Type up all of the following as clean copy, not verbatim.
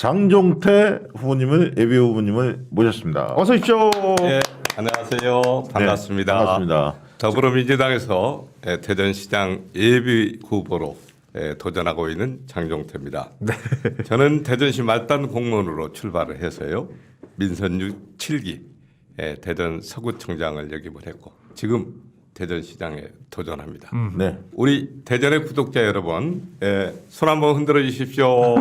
장종태 후보님을 예비 후보님을 모셨습니다. 어서 오십시오. 네, 안녕하세요. 반갑습니다. 네, 반갑습니다. 더불어민주당에서 대전시장 예비 후보로 도전하고 있는 장종태입니다. 네. 저는 대전시 말단 공무원으로 출발을 해서요. 민선 7기 대전 서구청장을 역임을 했고 지금 대전시장에 도전합니다. 네. 우리 대전의 구독자 여러분, 손 한번 흔들어 주십시오.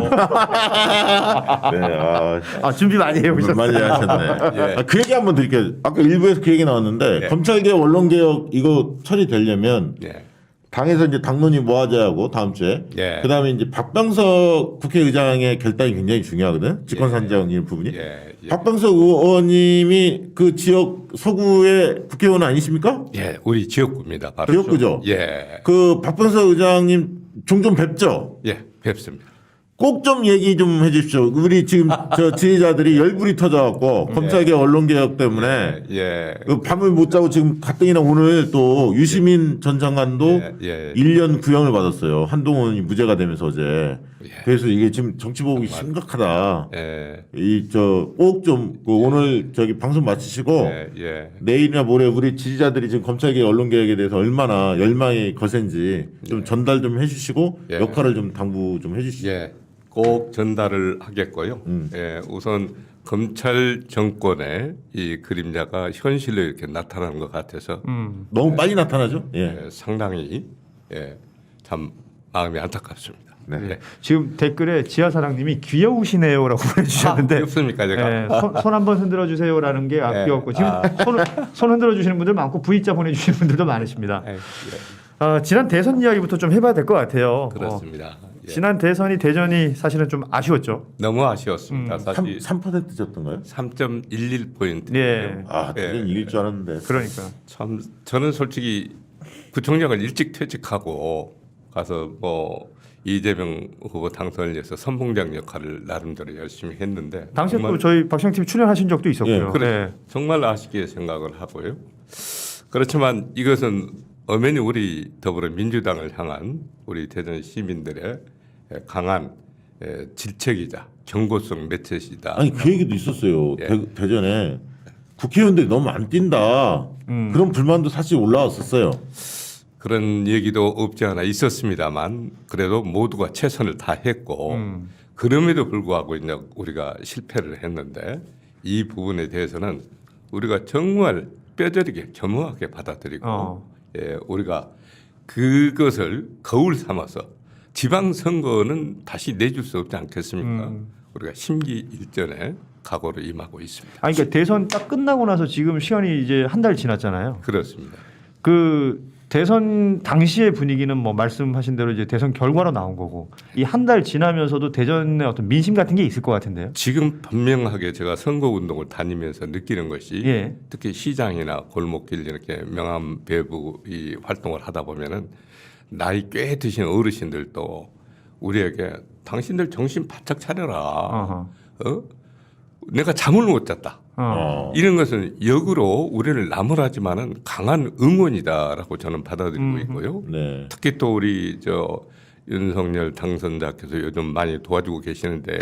네. 준비 많이 해오셨어요. 많이 하셨네. 예. 그 얘기 한번 드릴게요. 아까 일부에서 그 얘기 나왔는데 예. 검찰개혁 언론개혁 이거 처리되려면 예. 당에서 이제 당론이 모아져야 하고 다음 주에 예. 그다음에 이제 박병석 국회의장의 결단이 굉장히 중요하거든. 직권산정의 부분이. 예. 예. 박병석 의원님이 그 지역 서구의 국회의원 아니십니까? 예, 우리 지역구입니다. 바로. 지역구죠. 예. 그 박병석 의장님 종종 뵙죠. 예, 뵙습니다. 꼭 좀 얘기 좀 해주십시오. 우리 지금 저 지지자들이 열불이 터져갖고 검찰개혁 언론개혁 때문에 예. 그 밤을 못 자고 지금 가뜩이나 오늘 또 유시민 전 장관도 예. 1년 구형을 받았어요. 한동훈이 무죄가 되면서 어제. 예. 그래서 이게 지금 정치 보복이 심각하다. 예. 이 저 꼭 좀 오늘 저기 방송 마치시고 예. 내일이나 모레 우리 지지자들이 지금 검찰개혁 언론개혁에 대해서 얼마나 열망이 거센지 좀 전달 좀 해주시고 예. 역할을 좀 당부 좀 해주시죠. 예. 꼭 전달을 하겠고요. 예. 우선 검찰 정권의 이 그림자가 현실로 이렇게 나타나는 것 같아서 너무 빨리 나타나죠? 예. 상당히 참 마음이 안타깝습니다. 네. 예. 지금 댓글에 지하사랑님이 귀여우시네요라고 보내주셨는데 귀엽습니까 제가? 손 한번 흔들어 주세요라는 게 귀엽고 지금 손 흔들어 주시는 분들 많고 V자 보내주시는 분들도 많으십니다. 예. 지난 대선 이야기부터 좀 해봐야 될 것 같아요. 그렇습니다. 예. 지난 대전이 사실은 좀 아쉬웠죠. 너무 아쉬웠습니다. 사실 3% 졌던가요? 3.11포인트. 예. 대전 이길 줄 알았는데. 그러니까. 참 저는 솔직히 구청장을 일찍 퇴직하고 가서 뭐 이재명 후보 당선을 위해서 선봉장 역할을 나름대로 열심히 했는데 당시에 정말, 또 저희 박시영 출연하신 적도 있었고요. 예, 그래, 정말 아쉽게 생각을 하고요. 그렇지만 이것은 엄연히 우리 더불어민주당을 향한 우리 대전 시민들의 강한 질책이자 경고성 메시지다. 아니 그 얘기도 있었어요. 예. 대전에 국회의원들이 너무 안 뛴다. 그런 불만도 사실 올라왔었어요. 그런 얘기도 없지 않아 있었습니다만 그래도 모두가 최선을 다했고 그럼에도 불구하고 이제 우리가 실패를 했는데 이 부분에 대해서는 우리가 정말 뼈저리게 겸허하게 받아들이고 우리가 그것을 거울 삼아서 지방선거는 다시 내줄 수 없지 않겠습니까? 우리가 심기일전에 각오로 임하고 있습니다. 그러니까 대선 딱 끝나고 나서 지금 시간이 이제 한 달 지났잖아요. 그렇습니다. 그 대선 당시의 분위기는 뭐 말씀하신 대로 이제 대선 결과로 나온 거고 이 한 달 지나면서도 대전의 어떤 민심 같은 게 있을 것 같은데요. 지금 분명하게 제가 선거운동을 다니면서 느끼는 것이 특히 시장이나 골목길 이렇게 명함 배부 이 활동을 하다 보면은 나이 꽤 드신 어르신들도 우리에게 당신들 정신 바짝 차려라. 내가 잠을 못 잤다. 이런 것은 역으로 우리를 나무라지만은 강한 응원이다라고 저는 받아들이고 있고요. 네. 특히 또 우리 윤석열 당선자께서 요즘 많이 도와주고 계시는데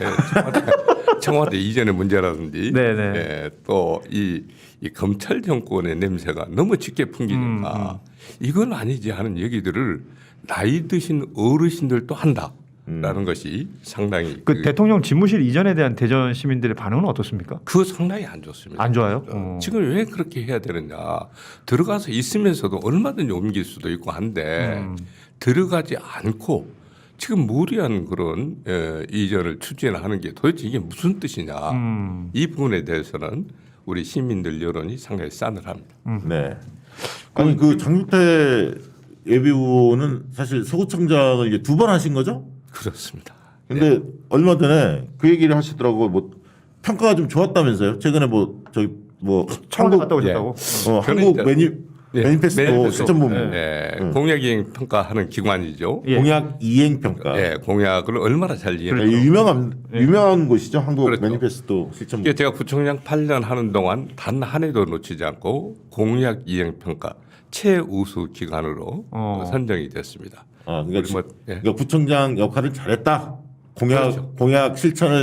청와대 이전의 문제라든지 또 이 검찰 정권의 냄새가 너무 짙게 풍기니까 이건 아니지 하는 얘기들을 나이 드신 어르신들도 한다. 라는 것이 상당히 그 대통령 집무실 이전에 대한 대전 시민들의 반응은 어떻습니까? 그거 상당히 안 좋습니다. 안 좋아요? 지금 왜 그렇게 해야 되느냐. 들어가서 있으면서도 얼마든지 옮길 수도 있고 한데 들어가지 않고 지금 무리한 그런 이전을 추진하는 게 도대체 이게 무슨 뜻이냐. 이 부분에 대해서는 우리 시민들 여론이 상당히 싸늘합니다. 네. 아니 그 장유태 예비 후보는 사실 서구청장을 이제 2번 하신 거죠? 그렇습니다. 근데 얼마 전에 그 얘기를 하시더라고. 뭐 평가가 좀 좋았다면서요? 최근에 뭐 저기 뭐 청와대 갔다 오셨다고? 한국 매니페스토 실천본부 공약 이행 평가하는 기관이죠. 공약 이행 평가. 공약을 얼마나 잘 이행. 유명한 곳이죠. 한국 그렇죠. 매니페스토 실천본부. 제가 구청장 8년 하는 동안 단 한 해도 놓치지 않고 공약 이행 평가 최우수 기관으로 선정이 됐습니다. 그러니까 구청장 역할을 잘했다. 공약 실천을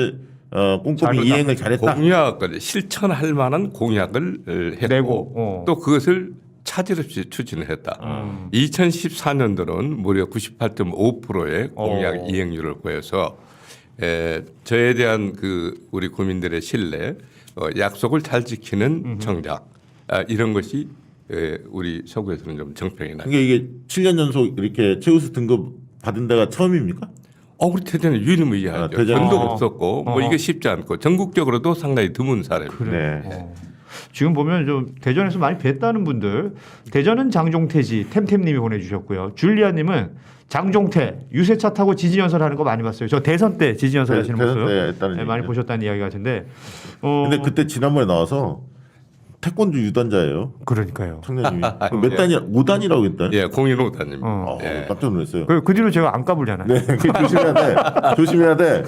꼼꼼히 이행을 잘했다. 공약을 실천할 만한 공약을 했고 내고, 또 그것을 차질 없이 추진을 했다. 2014년도는 무려 98.5%의 공약 이행률을 보여서 저에 대한 그 우리 국민들의 신뢰, 약속을 잘 지키는 정작 이런 것이 우리 서구에서는 좀 정평이 나요. 그러니까 이게 7년 연속 이렇게 최우수 등급 받은 데가 처음입니까? 우리 대전은 유일무이하죠. 대전. 전도 없었고 뭐 이게 쉽지 않고 전국적으로도 상당히 드문 사례입니다. 네. 지금 보면 좀 대전에서 많이 뵀다는 분들 대전은 장종태지 템템님이 보내주셨고요. 줄리아님은 장종태 유세차 타고 지지연설 하는 거 많이 봤어요. 저 대선 때 지지연설 네, 하시는 대선 모습 때 했다는 네, 많이 얘기죠. 보셨다는 이야기 같은데 근데 그때 지난번에 나와서 태권도 유단자예요. 그러니까요. 청년님이 몇 단이야? 5단이라고 했다. 예, 공인호단입니다. 깜짝 놀랐어요. 그 뒤로 제가 안 까불잖아요. 네, 그 조심해야 돼. 조심해야 돼.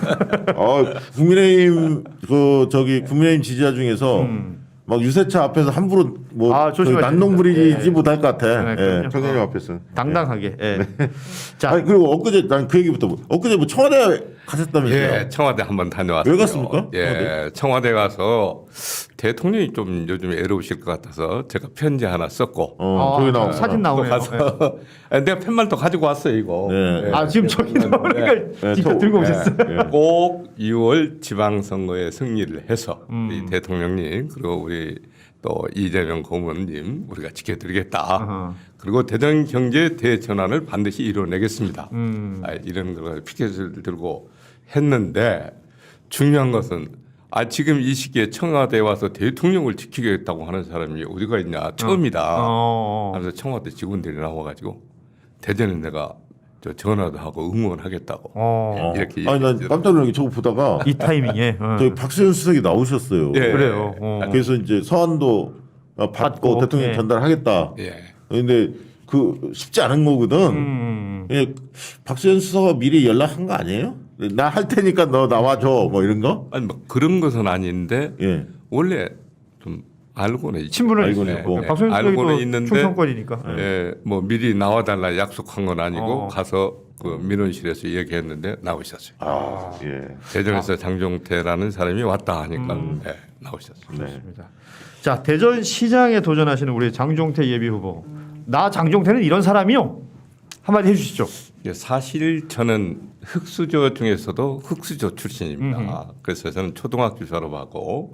국민의힘 국민의힘 지지자 중에서 막 유세차 앞에서 함부로 뭐 조심하셔야 난동 부리지 네. 못할 것 같아. 네, 예, 그럼요. 청년님 앞에서. 당당하게. 예. 자, 아니, 그리고 엊그제 난 그 얘기부터 엊그제 뭐 청와대 가셨다면서요? 예, 청와대 한번 다녀왔어요. 왜 갔습니까? 예, 청와대 가서 대통령이 좀 요즘 애로우실 것 같아서 제가 편지 하나 썼고 저기 나와. 사진 나오네요. 가서 내가 펜말도 가지고 왔어요 이거. 네. 아 지금 저기 나오니까 직접 들고 오셨어요. 꼭 6월 지방선거에 승리를 해서 우리 대통령님 그리고 우리 또 이재명 고문님 우리가 지켜드리겠다. 아하. 그리고 대전 경제 대전환을 반드시 이뤄내겠습니다. 이런 걸 피켓을 들고 했는데 중요한 것은 지금 이 시기에 청와대에 와서 대통령을 지키겠다고 하는 사람이 어디가 있냐 처음이다. 하면서 청와대 직원들이 나와가지고 대전에 내가 전화도 하고 응원하겠다고 이렇게 아니 난 깜짝 놀란 게 저거 보다가 이 타이밍에. 저기 박수현 수석이 나오셨어요. 예. 그래요. 그래서 이제 서한도 받고 대통령 예. 전달하겠다. 예. 근데 그 쉽지 않은 거거든. 예, 박수현 수석가 미리 연락한 거 아니에요? 나 할 테니까 너 나와줘 뭐 이런 거? 아니 뭐 그런 것은 아닌데 예. 원래 좀 알고는 있죠. 친분은 알고는 있어요. 있고. 박수현 수석이 알고는 또 있는데 충청권이니까. 예, 뭐 미리 나와달라 약속한 건 아니고 가서 그 민원실에서 얘기했는데 나오셨어요. 예. 대전에서 장종태라는 사람이 왔다 하니까 예, 나오셨어요. 좋습니다. 자 대전 시장에 도전하시는 우리 장종태 예비 후보. 나 장종태는 이런 사람이요. 한마디 해주시죠. 예, 사실 저는 흑수저 중에서도 흑수저 출신입니다. 그래서 저는 초등학교 졸업하고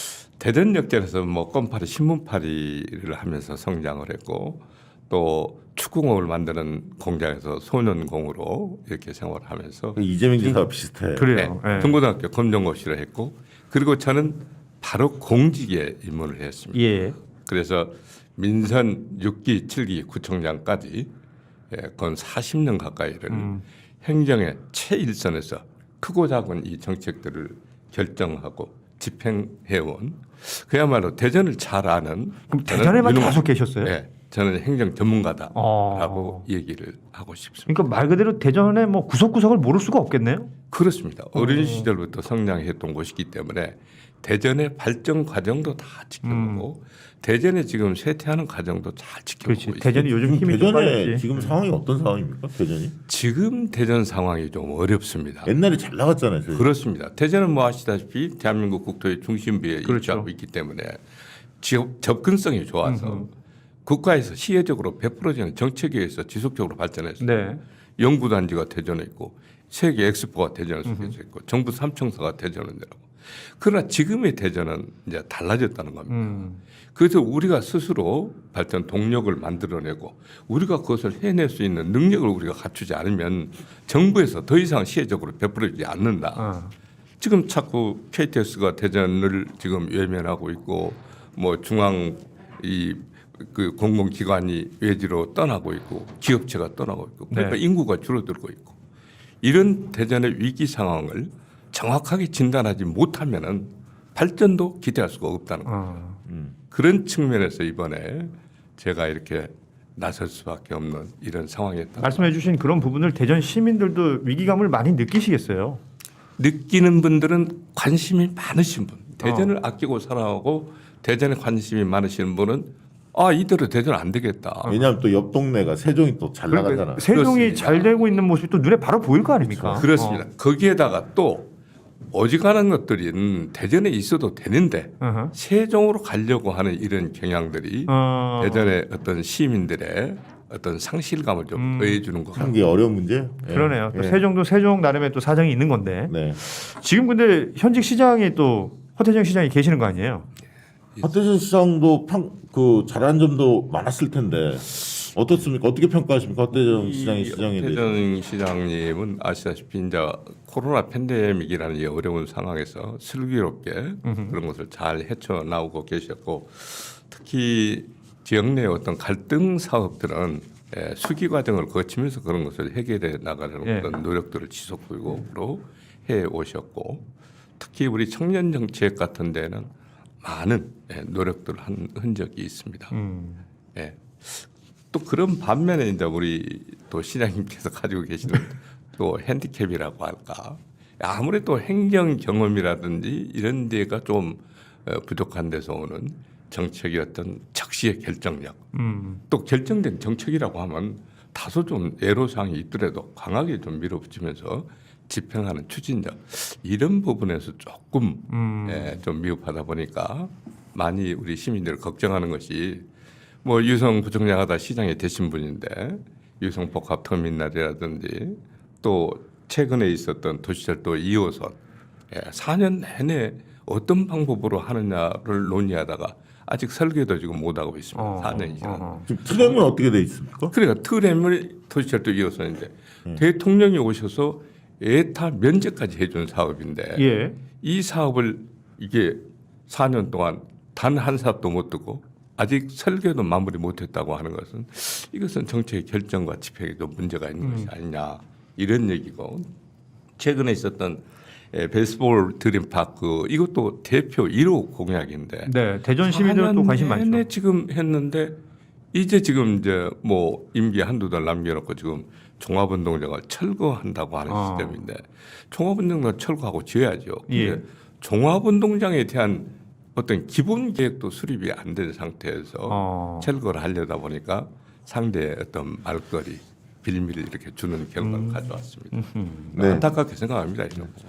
대전역전에서 뭐 껌파리 신문파리를 하면서 성장을 했고 또 축구공을 만드는 공장에서 소년공으로 이렇게 생활을 하면서 이재명 지사와 비슷해. 그래요. 예. 중고등학교 검정고시를 했고 그리고 저는 바로 공직에 입문을 했습니다. 예. 그래서 민선 6기, 7기 구청장까지 건 40년 가까이를 행정의 최일선에서 크고 작은 이 정책들을 결정하고 집행해온 그야말로 대전을 잘 아는 그럼 대전에만 유능한- 계속 계셨어요? 네, 저는 행정 전문가다라고 얘기를 하고 싶습니다. 그러니까 말 그대로 대전에 뭐 구석구석을 모를 수가 없겠네요. 그렇습니다. 어린 시절부터 성장했던 곳이기 때문에 대전의 발전 과정도 다 지켜보고 대전에 지금 쇠퇴하는 과정도 잘 지켜보고 그렇지. 있습니다. 대전이 요즘 힘이 좀 대전에 빠졌지. 지금 상황이 어떤 상황입니까? 대전이? 지금 대전 상황이 좀 어렵습니다. 옛날에 잘 나갔잖아요. 저희. 그렇습니다. 대전은 뭐 아시다시피 대한민국 국토의 중심부에 그렇죠. 위치하고 있기 때문에 접근성이 좋아서 국가에서 시혜적으로 100%는 정책에 의해서 지속적으로 발전했어요. 네. 연구단지가 대전에 있고 세계 엑스포가 대전에 속해져 있고 정부 삼청사가 대전에 내라고. 그러나 지금의 대전은 이제 달라졌다는 겁니다. 그래서 우리가 스스로 발전 동력을 만들어내고 우리가 그것을 해낼 수 있는 능력을 우리가 갖추지 않으면 정부에서 더 이상 시혜적으로 베풀어지지 않는다. 지금 자꾸 KTX가 대전을 지금 외면하고 있고 뭐 중앙 그 공공기관이 외지로 떠나고 있고 기업체가 떠나고 있고 그러니까 네. 인구가 줄어들고 있고 이런 대전의 위기 상황을 정확하게 진단하지 못하면은 발전도 기대할 수가 없다는 거죠. 그런 측면에서 이번에 제가 이렇게 나설 수밖에 없는 이런 상황이었다. 말씀해주신 그런 부분을 대전 시민들도 위기감을 많이 느끼시겠어요. 느끼는 분들은 관심이 많으신 분, 대전을 아끼고 사랑하고 대전에 관심이 많으신 분은 이대로 대전 안 되겠다. 왜냐하면 또 옆 동네가 세종이 또 잘 나가잖아. 세종이 그렇습니다. 잘 되고 있는 모습이 또 눈에 바로 보일 거 아닙니까? 그렇습니다. 거기에다가 또 오직하는 것들은 대전에 있어도 되는데 어허. 세종으로 가려고 하는 이런 경향들이 대전의 어떤 시민들의 어떤 상실감을 좀 더해주는 것 같아요. 참기 어려운 문제. 그러네요. 또 세종도 세종 나름의 또 사정이 있는 건데 네. 지금 근데 현직 시장이 또 허태정 시장이 계시는 거 아니에요? 하태전 시장도 그 잘한 점도 많았을 텐데 어떻습니까? 어떻게 평가하십니까? 하태정 시장의 시장에 대해서. 허태정 시장님은 아시다시피 이제 코로나 팬데믹이라는 이 어려운 상황에서 슬기롭게 그런 것을 잘 헤쳐나오고 계셨고 특히 지역 내 어떤 갈등 사업들은 수기 과정을 거치면서 그런 것을 해결해 나가려는 예. 그런 노력들을 지속적으로 해 오셨고 특히 우리 청년 정책 같은 데는 많은 노력들을 한 흔적이 있습니다. 예. 또 그런 반면에 이제 우리 또 시장님께서 가지고 계시는 또 핸디캡이라고 할까 아무래도 행정 경험이라든지 이런 데가 좀 부족한 데서 오는 정책의 어떤 적시의 결정력 또 결정된 정책이라고 하면 다소 좀 애로사항이 있더라도 강하게 좀 밀어붙이면서 집행하는 추진력 이런 부분에서 조금 좀 미흡하다 보니까 많이 우리 시민들 걱정하는 것이 뭐 유성 부총장하다 시장에 되신 분인데 유성 복합터미널이라든지 또 최근에 있었던 도시철도 2호선 4년 내내 어떤 방법으로 하느냐를 논의하다가 아직 설계도 지금 못 하고 있습니다. 4년 이상. 지금 트램은 어떻게 돼 있습니까? 그러니까 트램을 도시철도 2호선인데 대통령이 오셔서 에타 면제까지 해준 사업인데 예. 이 사업을 이게 4년 동안 단 한 사업도 못 두고 아직 설계도 마무리 못했다고 하는 것은 이것은 정책의 결정과 집행에도 문제가 있는 것이 아니냐 이런 얘기고 최근에 있었던 베이스볼 드림파크 이것도 대표 1호 공약인데 네, 대전 시민들은 또 관심 많죠. 내내 지금 했는데 이제 지금 이제 뭐 임기 한두 달 남겨놓고 지금 종합운동장을 철거한다고 하는 시스템인데 종합운동장 철거하고 지어야죠. 근데 예. 종합운동장에 대한 어떤 기본 계획도 수립이 안 된 상태에서 철거를 하려다 보니까 상대의 어떤 말거리 빌미를 이렇게 주는 결과를 가져왔습니다. 네. 안타깝게 생각합니다. 이런 거.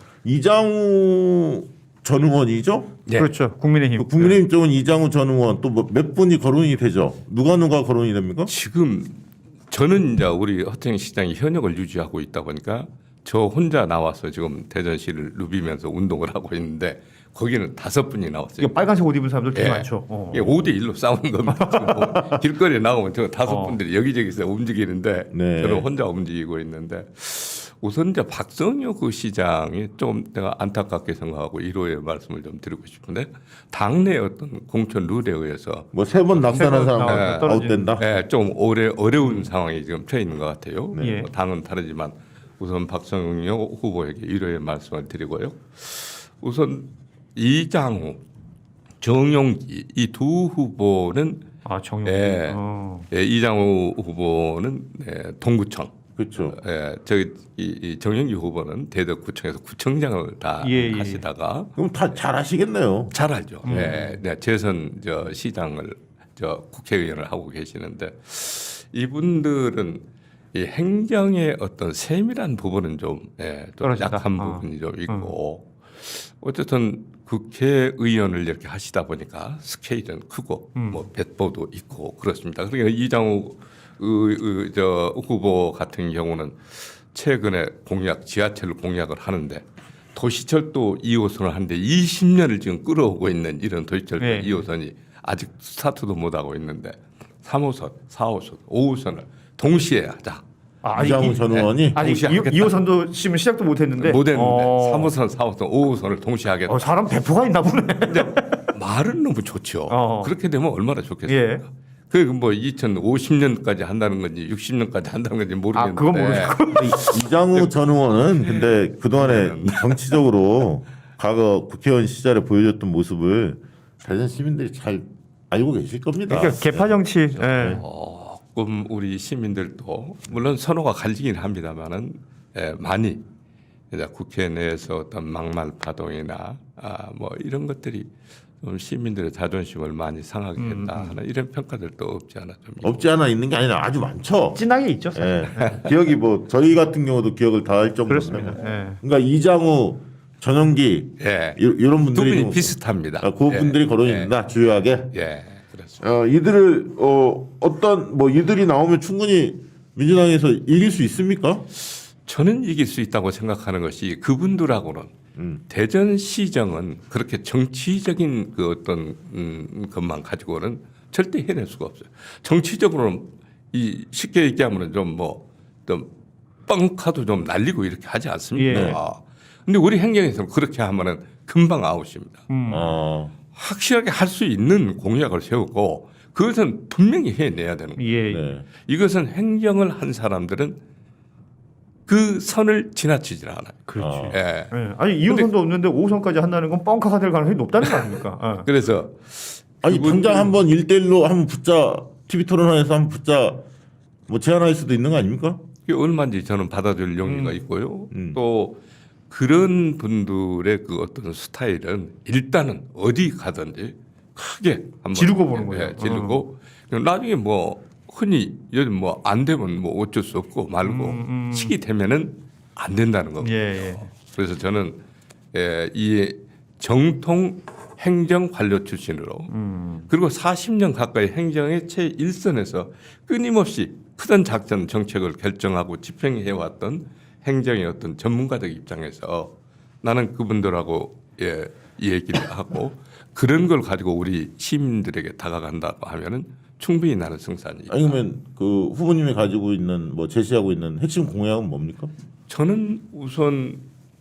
이장우 전 의원이죠? 네. 그렇죠. 국민의힘. 국민의힘 쪽은 이장우 전 의원 또 몇 분이 거론이 되죠? 누가 거론이 됩니까? 지금 저는 이제 우리 허태영 시장이 현역을 유지하고 있다 보니까 저 혼자 나와서 지금 대전시를 누비면서 운동을 하고 있는데 거기는 5분이 나왔어요. 이거 빨간색 옷 입은 사람들 되게 예. 많죠. 5대 1로 싸우는 겁니다. 지금 뭐 길거리에 나오면 저 5분들이 여기저기서 움직이는데 네. 저는 혼자 움직이고 있는데 우선 이제 박성효 그 시장이 좀 내가 안타깝게 생각하고 1호의 말씀을 좀 드리고 싶은데 당내 어떤 공천 룰에 의해서 뭐 3번 낙선한 사람 떨어진- 아웃된다. 좀 어려운 상황이 지금 처해 있는 것 같아요. 네. 뭐 당은 다르지만 우선 박성효 후보에게 1호의 말씀을 드리고요. 우선 이장우, 정용기 이 두 후보는 정용. 이장우 후보는 동구청, 그렇죠. 저기 이 정용기 후보는 대덕구청에서 구청장을 다 예. 하시다가 그럼 다 잘 하시겠네요. 잘 알죠. 재선 시장을 국회의원을 하고 계시는데 이분들은 이 행정의 어떤 세밀한 부분은 좀 떨어진다. 약한 부분이 좀 있고 어쨌든 국회의원을 이렇게 하시다 보니까 스케일은 크고 뭐 배포도 있고 그렇습니다. 그러니까 이장우 후보 같은 경우는 최근에 지하철 공약을 하는데 도시철도 2호선을 하는데 20년을 지금 끌어오고 있는 이런 도시철도 네. 2호선이 아직 스타트도 못하고 있는데 3호선, 4호선, 5호선을 동시에 하자. 이장우 전 의원이 아니 동시에 하겠다. 2호선도 지금 시작도 못했는데. 못했는데 3호선, 4호선, 5호선을 동시에 하겠다. 사람 배포가 있나 보네. 말은 너무 좋죠. 그렇게 되면 얼마나 좋겠습니까? 예. 그 뭐 2050년까지 한다는 건지 60년까지 한다는 건지 모르겠는데. 그건 모르겠고. 이장우 전 의원은 근데 그동안에 정치적으로 과거 국회의원 시절에 보여줬던 모습을 대전 시민들이 잘 알고 계실 겁니다. 그러니까 개파 정치. 예. 조금 우리 시민들도 물론 선호가 갈리긴 합니다만은 많이 이제 국회 내에서 어떤 막말 파동이나 뭐 이런 것들이 좀 시민들의 자존심을 많이 상하게 했다 하는 이런 평가들도 없지 않아 좀 있고. 없지 않아 있는 게 아니라 아주 많죠. 진하게 있죠. 사실. 기억이 뭐 저희 같은 경우도 기억을 다 할 정도로. 그렇습니다. 예. 그러니까 이장우 전용기 예. 이런 두 분들이 분이 좀- 비슷합니다. 그분들이 거론이 된다 주요하게. 예, 그렇습니다. 이들을 어떤 뭐 이들이 나오면 충분히 민주당에서 이길 수 있습니까? 저는 이길 수 있다고 생각하는 것이 그분들하고는 대전시정은 그렇게 정치적인 그 어떤 것만 가지고는 절대 해낼 수가 없어요. 정치적으로는 이 쉽게 얘기하면 좀좀 뻥카도 좀 날리고 이렇게 하지 않습니까? 예. 근데 우리 행정에서는 그렇게 하면은 금방 아웃입니다. 어, 확실하게 할 수 있는 공약을 세우고 그것은 분명히 해내야 되는 거예요. 예. 네. 이것은 행정을 한 사람들은 그 선을 지나치질 않아요. 그렇지. 예. 예. 아니 2호선도 없는데 5호선까지 한다는 건 뻥카가 될 가능성이 높다는 거 아닙니까? 예. 그래서 아니 당장 한번 1대1로 한번 붙자 TV 토론회에서 한번 붙자 뭐 제안할 수도 있는 거 아닙니까? 그게 얼마인지 저는 받아줄 용의가 있고요. 또 그런 분들의 그 어떤 스타일은 일단은 어디 가든지 크게 한번 지르고 보는 거예요. 지르고 나중에 뭐 흔히 요즘 뭐 안 되면 뭐 어쩔 수 없고 말고 시기 되면은 안 된다는 겁니다. 예, 예. 그래서 저는 이 정통 행정 관료 출신으로 그리고 40년 가까이 행정의 최일선에서 끊임없이 크던 작전 정책을 결정하고 집행해 왔던 행정의 어떤 전문가적 입장에서 나는 그분들하고 이 얘기를 하고 그런 걸 가지고 우리 시민들에게 다가간다고 하면은 충분히 나는 승산이. 아니 그러면 그 후보님이 가지고 있는 뭐 제시하고 있는 핵심 공약은 뭡니까? 저는 우선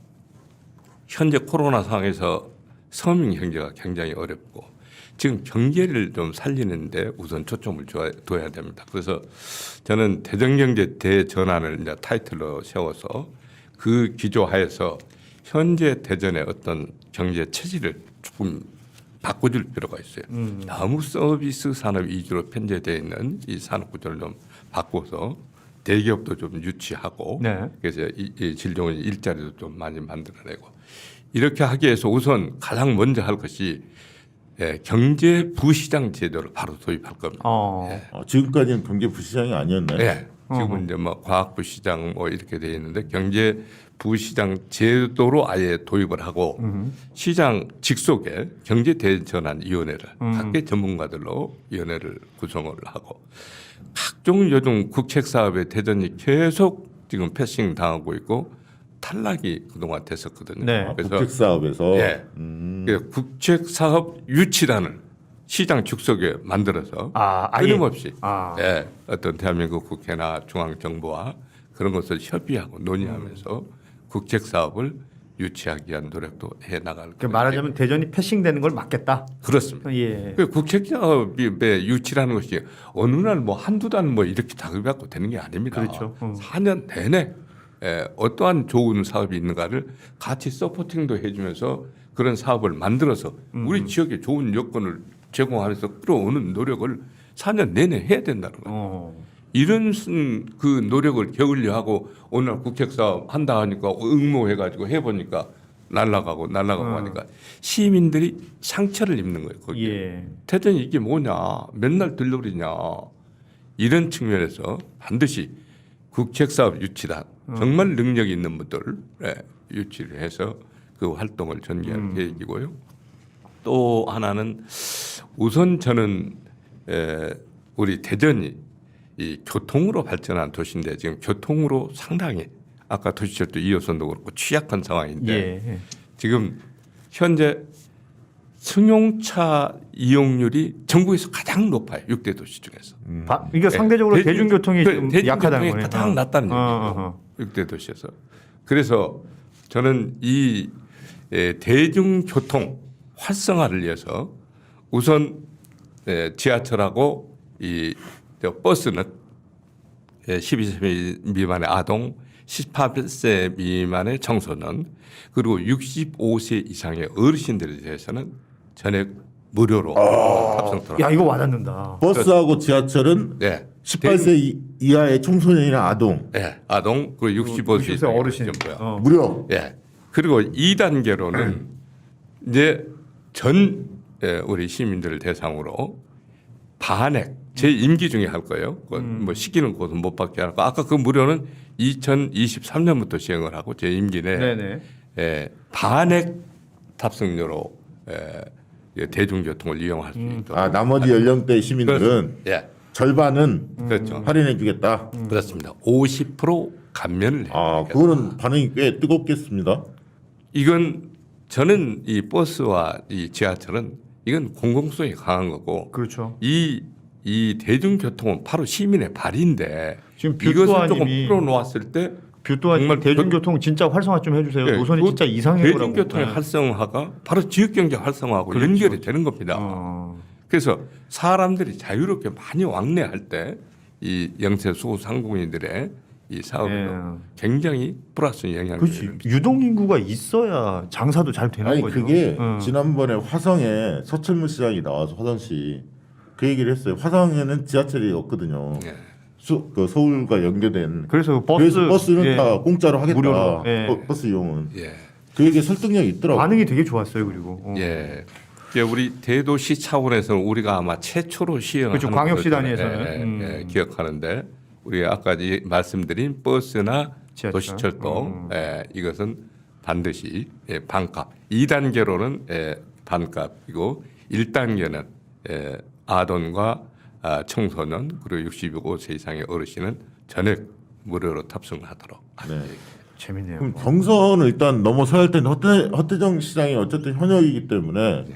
현재 코로나 상황에서 서민 경제가 굉장히 어렵고 지금 경제를 좀 살리는데 우선 초점을 둬야 됩니다. 그래서 저는 대전경제 대전환을 이제 타이틀로 세워서 그 기조하에서 현재 대전의 어떤 경제 체질을 조금 바꿔줄 필요가 있어요. 너무 서비스 산업 위주로 편제되어 있는 이 산업 구조를 좀 바꿔서 대기업도 좀 유치하고 네. 그래서 이 진료원 일자리도 좀 많이 만들어내고 이렇게 하기 위해서 우선 가장 먼저 할 것이 경제 부시장 제도를 바로 도입할 겁니다. 지금까지는 경제 부시장이 아니었나요? 네. 지금은 이제 뭐 과학부시장 뭐 이렇게 돼 있는데 경제 부시장 제도로 아예 도입을 하고 시장 직속에 경제 대전환위원회를 각계 전문가들로 위원회를 구성을 하고 각종 요즘 국책 사업의 대전이 계속 지금 패싱 당하고 있고 탈락이 그동안 됐었거든요. 네. 국책 사업에서 예. 국책 사업 유치단을 시장 축소에 만들어서 아예. 끊임없이 아. 예, 어떤 대한민국 국회나 중앙정부와 그런 것을 협의하고 논의하면서 국책 사업을 유치하기 위한 노력도 해 나갈 그러니까 말하자면 대전이 패싱되는 걸 막겠다. 그렇습니다. 예. 그 국책 사업의 유치라는 것이 어느 날 뭐 한두 달 뭐 이렇게 다급하고 되는 게 아닙니다. 그렇죠. 4년 내내 어떠한 좋은 사업이 있는가를 같이 서포팅도 해주면서 그런 사업을 만들어서 우리 지역에 좋은 여건을 제공하면서 끌어오는 노력을 4년 내내 해야 된다는 거예요. 이런 그 노력을 게을려 하고 오늘 국책 사업 한다 하니까 응모해가지고 해보니까 날라가고 하니까 시민들이 상처를 입는 거예요. 거기에. 예. 대전이 이게 뭐냐 맨날 들러리냐 이런 측면에서 반드시 국책사업 유치단 정말 능력 있는 분들을 유치를 해서 그 활동을 전개할 계획이고요. 또 하나는 우선 저는 우리 대전이 이 교통으로 발전한 도시인데 지금 교통으로 상당히 아까 도시철도 2호선도 그렇고 취약한 상황인데 예. 지금 현재 승용차 이용률이 전국에서 가장 높아요. 6대 도시 중에서. 그러니까 상대적으로 대중교통이 좀 약하다는 대중교통이 거네요. 가장 낮다는 얘기죠. 6대 도시에서. 그래서 저는 이 대중교통 활성화를 위해서 우선 지하철하고 이 버스는 12세 미만의 아동, 18세 미만의 청소년, 그리고 65세 이상의 어르신들에 대해서는 전액 무료로 탑승토록. 야, 이거 와닿는다. 버스하고 지하철은 네. 18세 이하의 청소년이나 아동 네. 아동 그리고 65세 60세 어르신. 전부야. 무료. 예. 그리고 2단계로는 이제 전 우리 시민들을 대상으로 반액 제 임기 중에 할 거예요. 뭐 시기는 곧은 못 받게 하고 아까 그 무료는 2023년부터 시행을 하고 제 임기 내에 네네. 반액 탑승료로 대중교통을 이용할 수 있도록. 아 나머지 연령대 시민들은 예, 절반은 그렇죠. 할인해주겠다. 그렇습니다. 50% 감면을 아 해주겠다. 그거는 반응이 꽤 뜨겁겠습니다. 이건 저는 이 버스와 이 지하철은 이건 공공성이 강한 거고 그렇죠. 이 대중교통은 바로 시민의 발인데 지금 이것을 조금 뷰또아님이 풀어놓았을 때 뷰또아님 정말 대중교통 진짜 활성화 좀 해주세요. 예, 노선이 그 진짜 이상해요. 대중교통의 활성화가 바로 지역경제 활성화하고 그렇죠. 연결이 되는 겁니다. 어. 그래서 사람들이 자유롭게 많이 왕래할 때 이 영세 소상공인들의 이 사업에도 예. 굉장히 플러스 영향을 그렇지. 줍니다. 유동 인구가 있어야 장사도 잘 되는 아니 거죠. 그게 어. 지난번에 화성에 서철문 시장이 나와서 화성시 그 얘기를 했어요. 화성에는 지하철이 없거든요. 예. 그 서울과 연계된 그래서 그래서 버스는 예. 다 공짜로 하겠다. 무료로, 예. 버스 이용은 예. 그 얘기 설득력이 있더라고. 반응이 되게 좋았어요. 그리고 예. 이게 우리 대도시 차원에서는 우리가 아마 최초로 시행하는 그렇죠. 광역시 것을 단위에서는. 기억하는데 우리 아까 말씀드린 버스나 지하철. 도시철도 이것은 반드시 반값 2단계로는 반값이고 1단계는 아동과 청소년 그리고 65세 이상의 어르신은 전액 무료로 탑승하도록. 네. 재밌네요. 그럼 경선을 일단 넘어서야 할 텐데 허태정 시장이 어쨌든 현역이기 때문에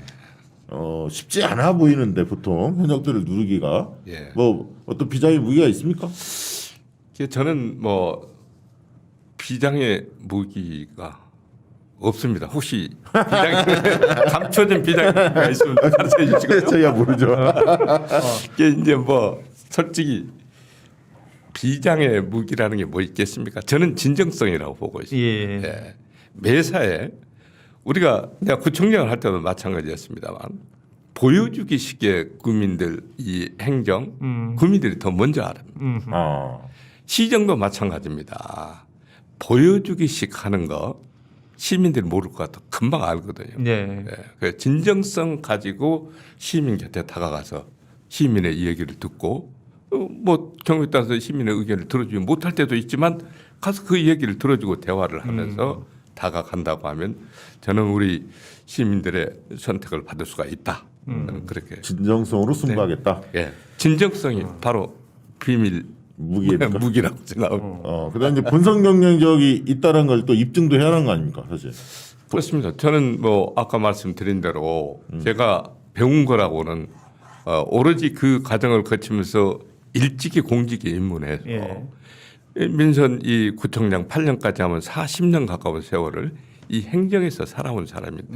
쉽지 않아 보이는데 보통 현역들을 누르기가 예. 뭐 어떤 비장의 무기가 있습니까? 저는 뭐 비장의 무기가 없습니다. 혹시 비장 감춰진 비장의 무기가 있으면 가르쳐 주시고요. 저야 모르죠. 이게 이제 뭐 솔직히 비장의 무기라는 게 뭐 있겠습니까? 저는 진정성이라고 보고 있습니다. 예. 예. 매사에 우리가 내가 구청장을 할 때도 마찬가지였습니다만 보여주기식의 국민들 이 행정 국민들이 더 먼저 알아요. 시정도 마찬가지입니다. 보여주기식 하는 거 시민들이 모를 것 같아 금방 알거든요. 네. 예. 그 진정성 가지고 시민 곁에 다가가서 시민의 이야기를 듣고 뭐 경우에 따라서 시민의 의견을 들어주지 못할 때도 있지만 가서 그 얘기를 들어주고 대화를 하면서 다가간다고 하면 저는 우리 시민들의 선택을 받을 수가 있다. 저는 그렇게 진정성으로 승부하겠다. 예. 진정성이 바로 비밀 무기입니까? 무기라고 생각합니다. 그다음 이제 본선 경쟁력이 있다는 걸 또 입증도 해야 하는 거 아닙니까, 사실. 그렇습니다. 저는 뭐 아까 말씀드린 대로 제가 배운 거라고는 오로지 그 과정을 거치면서 일찍이 공직에 입문해서 예. 민선 이 구청장 8년까지 하면 40년 가까운 세월을 이 행정에서 살아온 사람인데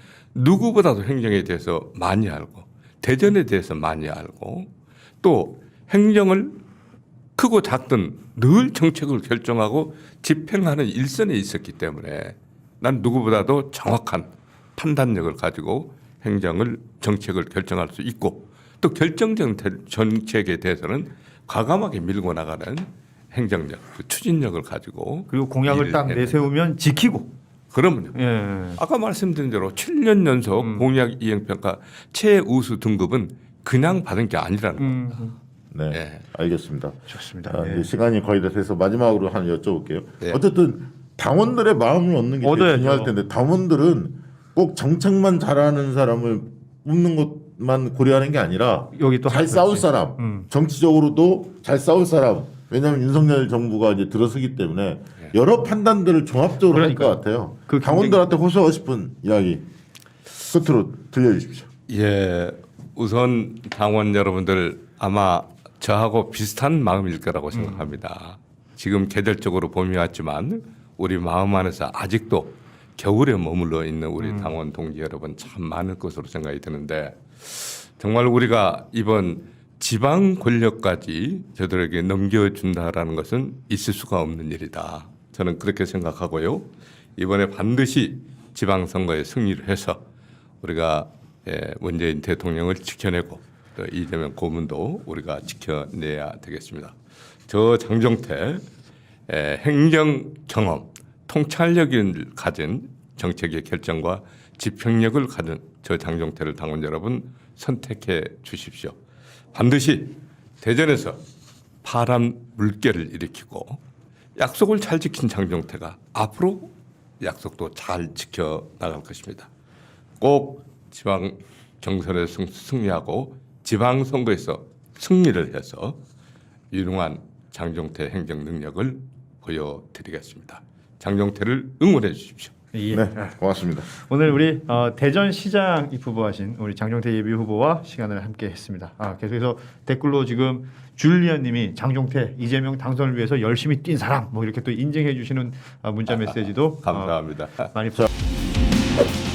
누구보다도 행정에 대해서 많이 알고 대전에 대해서 많이 알고 또 행정을 크고 작든 늘 정책을 결정하고 집행하는 일선에 있었기 때문에 난 누구보다도 정확한 판단력을 가지고 행정을 정책을 결정할 수 있고 또 결정적 정책에 대해서는 과감하게 밀고 나가는 행정력, 그 추진력을 가지고 그리고 공약을 일을 딱 해내는. 내세우면 지키고. 그러면요. 예. 아까 말씀드린 대로 7년 연속 공약 이행평가 최우수 등급은 그냥 받은 게 아니라는 겁니다. 네, 예. 알겠습니다. 좋습니다. 자, 네. 이제 시간이 거의 다 돼서 마지막으로 하나 여쭤볼게요. 네. 어쨌든 당원들의 마음을 얻는 게 제일 얻어야죠. 중요할 텐데 당원들은 꼭 정책만 잘하는 사람을 뽑는 것만 고려하는 게 아니라 여기 또 잘 한 싸울 가지. 사람, 정치적으로도 잘 싸울 사람. 왜냐하면 윤석열 정부가 이제 들어서기 때문에 여러 판단들을 종합적으로 할 것 그러니까요. 같아요. 그 당원들한테 호소하고 싶은 이야기 끝으로 들려주십시오. 예, 우선 당원 여러분들 아마 저하고 비슷한 마음일 거라고 생각합니다. 지금 계절적으로 봄이 왔지만 우리 마음 안에서 아직도 겨울에 머물러 있는 우리 당원 동지 여러분 참 많을 것으로 생각이 드는데 정말 우리가 이번 지방 권력까지 저들에게 넘겨준다라는 것은 있을 수가 없는 일이다. 저는 그렇게 생각하고요. 이번에 반드시 지방선거에 승리를 해서 우리가 문재인 대통령을 지켜내고 또 이재명 고문도 우리가 지켜내야 되겠습니다. 저 장종태 행정 경험, 통찰력을 가진 정책의 결정과 집행력을 가진 저 장종태를 당원 여러분 선택해 주십시오. 반드시 대전에서 파란 물결을 일으키고 약속을 잘 지킨 장종태가 앞으로 약속도 잘 지켜 나갈 것입니다. 꼭 지방 경선에 승리하고 지방 선거에서 승리를 해서 유능한 장종태 행정 능력을 보여드리겠습니다. 장종태를 응원해 주십시오. 예. 네, 고맙습니다. 오늘 우리 대전시장 입후보하신 우리 장종태 예비 후보와 시간을 함께했습니다. 계속해서 댓글로 지금 줄리안님이 장종태 이재명 당선을 위해서 열심히 뛴 사람 뭐 이렇게 또 인증해 주시는 문자 메시지도 감사합니다. 많이.